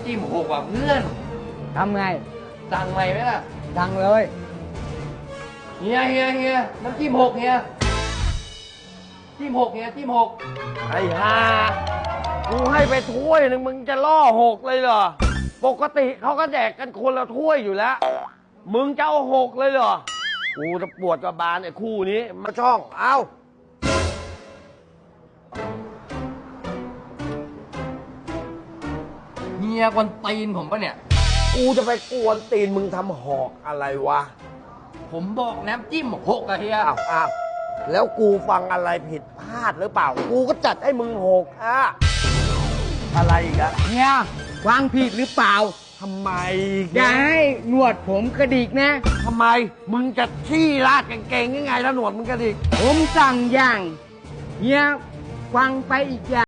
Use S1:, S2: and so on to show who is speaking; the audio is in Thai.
S1: จิ้มหกว่ะเพื่อน
S2: ทำไง
S1: สั่งใหม่ไหมล่ะ
S2: สั่งเลย
S1: เฮียน้ำจิ้มหกเฮียจิ้มหกเฮียจิ้มหก
S3: ไอ้ห่ากูให้ไปถ้วยหนึ่งมึงจะล่อหกเลยเหรอปกติเขาก็แดกกันคนละถ้วยอยู่แล้วมึงจะเอาหกเลยเหรอกูจะปวดกับบานไอ้คู่นี้มาช่องเอา
S1: เฮียกวนตีนผมปะเนี่ย
S3: กูจะไปกวนตีนมึงทำหอกอะไรวะ
S1: ผมบอกน้ำจิ้มหกอะเฮีย
S3: อ้าวแล้วกูฟังอะไรผิดพลาดหรือเปล่ากูก็จัดให้มึงหกอะไรอีกอะ
S2: เนี่ยวางผิดหรือเปล่า
S3: ทำไม
S2: อย่าให้หนวดผมกระดิกนะ
S3: ทำไมมึงจะขี้ราดกางเกงยังไงแล้วหนวดมึงกระดิก
S2: ผมสั่งอย่างเฮียฟังไปอีกอย่าง